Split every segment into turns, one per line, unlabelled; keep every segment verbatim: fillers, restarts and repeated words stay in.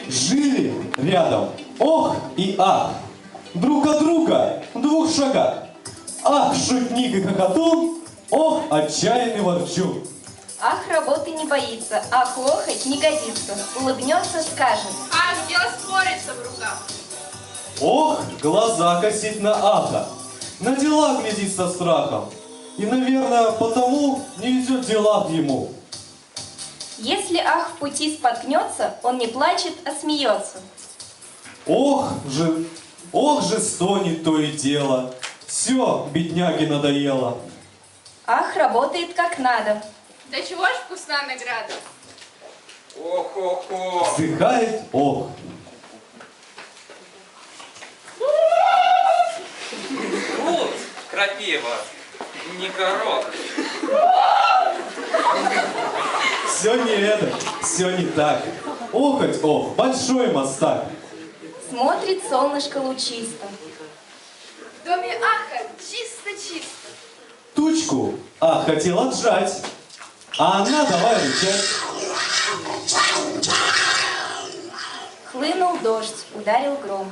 Жили рядом ох и ах, друг от друга в двух шагах. Ах, шутник и хохотун, ох, отчаянный ворчун.
Ах, работы не боится, ах, лохоть не годится. Улыбнется, скажет.
Ах, дело спорится в руках.
Ох, глаза косит на аха, на дела глядит со страхом. И, наверное, потому не везет в делах ему.
Если ах в пути споткнется, он не плачет, а смеется.
Ох же, ох же стонет то и дело, все бедняге надоело.
Ах, работает как надо.
Да чего ж вкусна награда?
Ох-ох-ох.
Вздыхает ох.
Вот, крапива, не горох.
Все не это, все не так. Охоть ох, большой мастак.
Смотрит солнышко лучисто.
В доме аха чисто-чисто.
Тучку, а хотел отжать, а она давай рычать.
Хлынул дождь, ударил гром.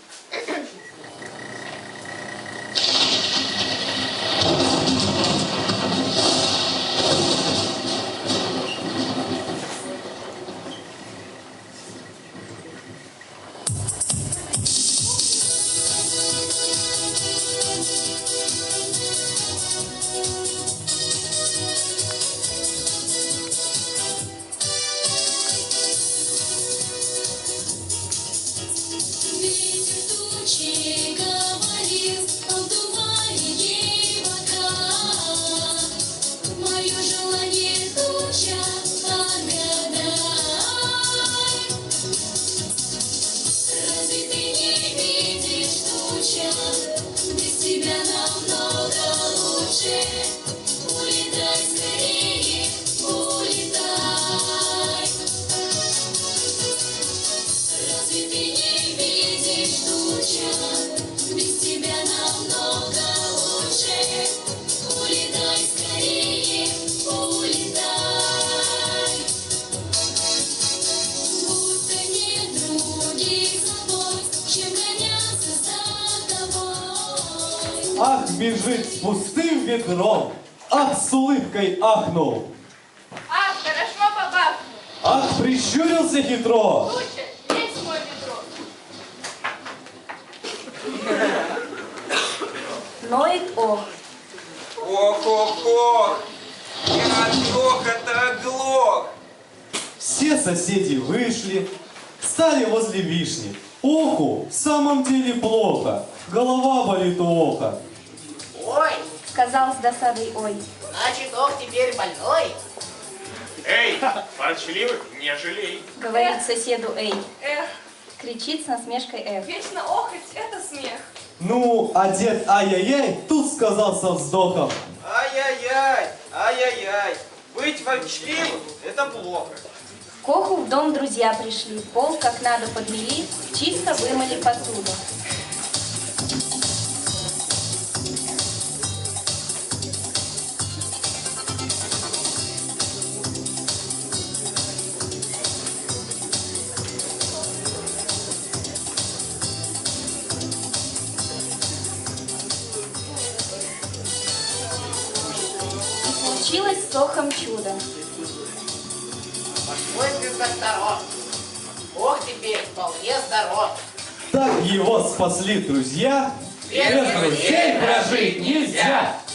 Ах, бежит с пустым ведром, ах, с улыбкой ахнул.
Ах, хорошо побахнул.
Ах, прищурился хитро.
Лучше, есть мое ведро.
Ноет ох.
Ох-ох-ох. Я от хохота оглох.
Все соседи вышли, стали возле вишни. Оху, в самом деле плохо, голова болит у оха.
Ой,
Сказал с досадой ой.
значит, ох, теперь больной.
Эй, ворчливых не жалей.
Говорит соседу эй.
Эх,
Кричит с насмешкой эх.
вечно охоть — это смех.
Ну, а дед ай-яй-яй тут сказал со вздохом.
Ай-яй-яй, ай-яй-яй. Быть ворчливым – это плохо.
К оху в дом друзья пришли. Пол как надо подмели, чисто вымыли посуду. И получилось с охом чудо.
Пошлой без докторов. Ох, теперь вполне здоров.
Так его спасли друзья.
Без друзей
прожить нельзя.